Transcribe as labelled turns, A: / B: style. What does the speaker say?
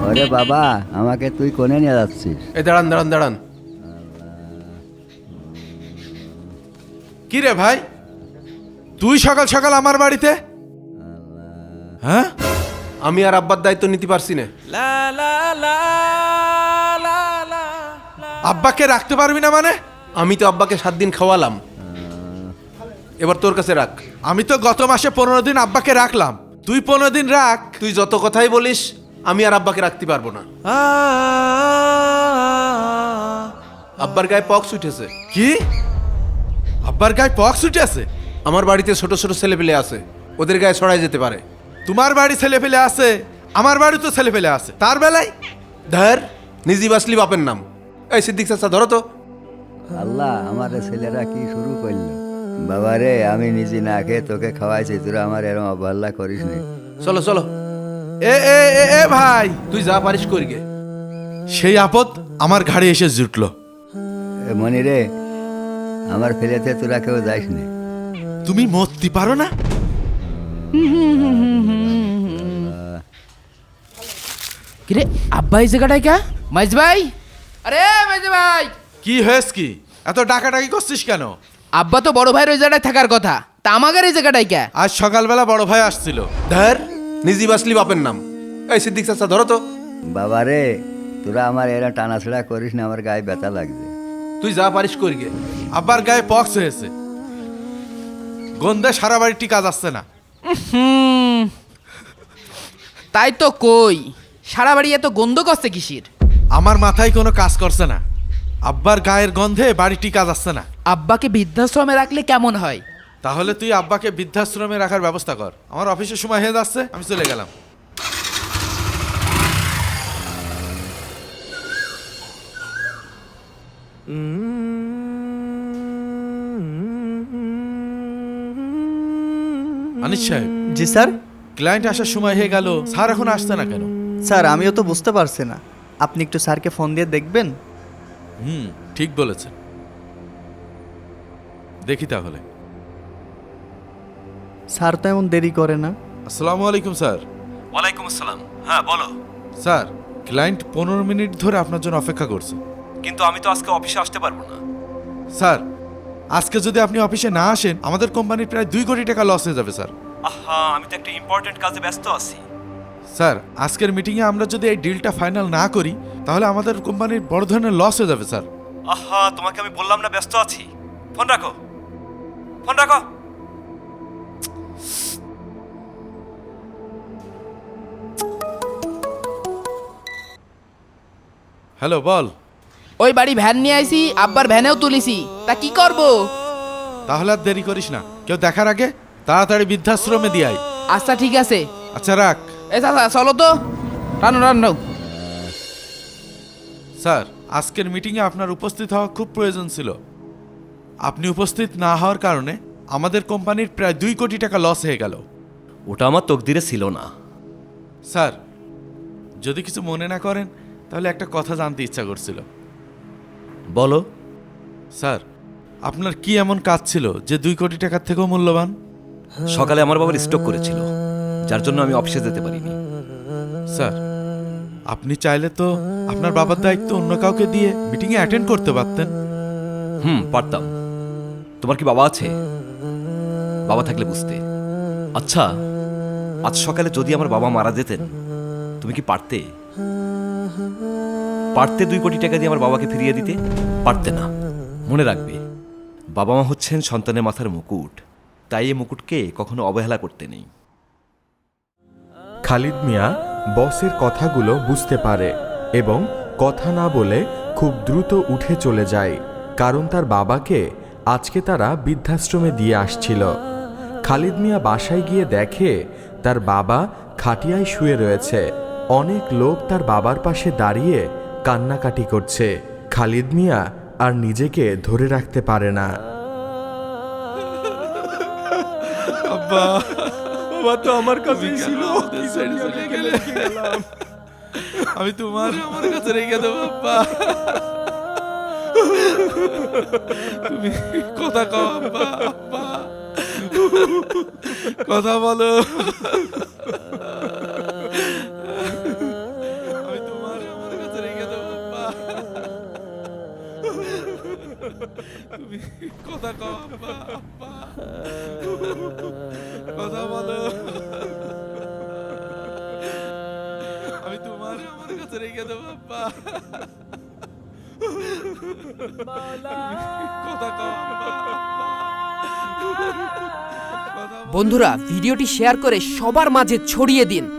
A: ওরে বাবা, আমাকে তুই কোনে নিয়ে যাচ্ছিস?
B: এই দাঁড়ান দাঁড়ান দাঁড়ান।
C: কি রে ভাই, তুই সকাল সকাল আমার বাড়িতে? হ্যাঁ,
B: আমি আর আব্বার দায়িত্ব নিতে পারছি না।
C: আব্বাকে রাখতে পারবি না মানে?
B: আমি তো আব্বাকে 7 দিন খাওয়ালাম, এবার তোর কাছে রাখ।
C: আমি তো গত মাসে 15 দিন আব্বাকে রাখলাম, তুই 15 দিন রাখ।
B: তুই যত কথাই বলিস, আমি আর আব্বাকে রাখতে পারবো না। আব্বার গায়ে পক্স উঠেছে।
C: কি? আব্বার গায়ে পক্স উঠে আছে?
B: আমার বাড়িতে ছোট ছোট ছেলেপেলে আছে, ওদের গায়ে ছড়াই যেতে পারে।
C: তোমার বাড়ি ছেলে ফেলে আছে, আমার বাড়ি তো ছেলে ফেলে আছে, তার বেলায়
B: ধর, নিজে বাসলি বাপের নাম। এই সিদ্দিক চাচা ধরো তো।
A: আল্লাহ, আমার ছেলেরা কি শুরু করলো? বাবা রে, আমি নিজে না খেয়ে তোকে খাওয়াইছি, তোরা আমার এরকম অবহেলা করিস নি।
B: চলো চলো,
C: এ এ এ এ ভাই,
B: তুই যা পারিস করি গে।
C: সেই আপদ আমার ঘাড়ে এসে জুটলো।
A: এ মনি রে, আমার ফেলেতে তোরা কেউ যাইস নি।
C: তুমি মরতে পারো না?
D: কিরে আব্বা এই জায়গাটায় কা? মাইজ ভাই, আরে মাইজ ভাই,
C: কি হয়েছে কি? এত ডাকাডাকি করছিস কেন?
D: আব্বা তো বড় ভাইয়ের ওই জায়গাটায় থাকার কথা, তা আমাদের এই জায়গাটায় কা?
C: আজ সকালবেলা বড় ভাই আসছিল।
B: ধর, নিজে বাসলি বাপের নাম। এই সিদ্দিক চাচা ধরো তো।
A: বাবা রে, তোরা আমার এরা টানাছড়া করিস না, আমার গায়ে ব্যথা লাগছে।
B: তুই যা পারিস করি গে।
C: আব্বার গায়ে পক্স হয়েছে, গন্ধে সারা বাড়িটি কাজ আসছে না।
D: তাই তো কই, সারা বাড়ি এত গন্ধ করছে কিসির?
C: আমার মাথায় কোনো কাজ করছে না, আব্বার গায়ের গন্ধে বাড়িটি কাজ আসছে না।
D: আব্বাকে বৃদ্ধাশ্রমে রাখলে কেমন হয়?
C: তাহলে তুই আব্বাকে বৃদ্ধাশ্রমে রাখার ব্যবস্থা কর। আমার অফিসের সময় হয়ে যাচ্ছে, আমি চলে গেলাম। আনিস সাহেব,
E: জি স্যার।
C: ক্লায়েন্ট আসার সময় হয়ে গেল, স্যার এখন আসছে না কেন?
E: স্যার আমিও তো বুঝতে পারছি না, আপনি একটু স্যারকে ফোন দিয়ে দেখবেন।
C: ঠিক বলেছেন, দেখি তাহলে।
E: স্যার তো এমন দেরি করে না।
C: আসসালামু আলাইকুম স্যার।
F: ওয়ালাইকুম আসসালাম। হ্যাঁ বলো।
C: স্যার, ক্লায়েন্ট 15 মিনিট ধরে আপনার জন্য অপেক্ষা করছে।
F: কিন্তু আমি তো আজকে অফিসে আসতে পারবো না।
C: স্যার, আজকে যদি আপনি অফিসে না আসেন, আমাদের কোম্পানির প্রায় 2 কোটি টাকা লস হয়ে যাবে স্যার।
F: আহা, আমি তো একটা ইম্পর্টেন্ট কাজে ব্যস্ত আছি।
C: স্যার, আজকের মিটিংয়ে আমরা যদি এই ডিলটা ফাইনাল না করি, তাহলে আমাদের কোম্পানির বড় ধরনের লস হয়ে যাবে স্যার।
F: আহা, তোমাকে আমি বললাম না ব্যস্ত আছি। ফোন রাখো, ফোন রাখো।
C: হ্যালো, বল।
D: ওই বাড়ি ভ্যান নিয়ে আইছি, আব্বার ভ্যানেও তুলিছি, তা কি করব?
C: তাহলে আর দেরি করিস না, কেউ দেখার আগে তাড়াতাড়ি বৃদ্ধাশ্রমে দিয়ে আয়।
D: আচ্ছা ঠিক আছে।
C: আচ্ছা রাখ।
D: এ চাচা চলো তো, রানো রানো।
C: স্যার, আজকের মিটিংয়ে আপনার উপস্থিত হওয়া খুব প্রয়োজন ছিল। আপনি উপস্থিত না হওয়ার কারণে আমাদের কোম্পানির প্রায় 2 কোটি টাকা লস হয়ে গেল।
F: ওটা আমার তকদিরে ছিল না।
C: স্যার, যদি কিছু মনে না করেন, তাহলে একটা কথা জানতে ইচ্ছা করছিল।
F: বলো।
C: স্যার, আপনার কি এমন কাজ ছিল যে 2 কোটি টাকার থেকেও মূল্যবান?
F: সকালে আমার বাবার স্ট্রোক করেছিল, যার জন্য আমি অফিসে যেতে পারিনি।
C: স্যার, আপনি চাইলে তো আপনার বাবার দায়িত্ব অন্য কাউকে দিয়ে মিটিংয়ে অ্যাটেন্ড করতে পারতেন।
F: পারতাম। তোমার কি বাবা আছে? বাবা থাকলে বুঝতে। আচ্ছা, আজ সকালে যদি আমার বাবা মারা যেতেন, তুমি কি পারতে? পারতে 2 কোটি টাকা দিয়ে আমার বাবাকে ফিরিয়ে দিতে? পারতে না। মনে রাখবে, বাবা মা হচ্ছেন সন্তানের মাথার মুকুট, তাই এই মুকুটকে কখনো অবহেলা করতে নেই।
G: খালিদ মিয়া বসের কথাগুলো বুঝতে পারে এবং কথা না বলে খুব দ্রুত উঠে চলে যায়, কারণ তার বাবাকে আজকে তারা বৃদ্ধাশ্রমে দিয়ে আসছিল। খালিদ মিয়া বাসায় গিয়ে দেখে তার বাবা খাটিয়ায় শুয়ে রয়েছে। অনেক লোক তার বাবার পাশে দাঁড়িয়ে কান্নাকাটি করছে। খালিদ মিয়া আর নিজেকে ধরে রাখতে পারে না।
C: আব্বা,
G: বাবা তো আমার কাছেই ছিল,
C: আমি তোমার আমার কাছে রেখে দেবো আব্বা। তুমি কথা কও আব্বা, আব্বা কথা বলো। আমি তুমি কথা কও আব্বা, আব্বা। কথা বলো। আমি তোমার আমার কাছে রেখে দেবো আব্বা। কথা কও আব্বা, আব্বা। কথা বলো।
H: বন্ধুরা ভিডিওটি শেয়ার করে সবার মাঝে ছড়িয়ে দিন।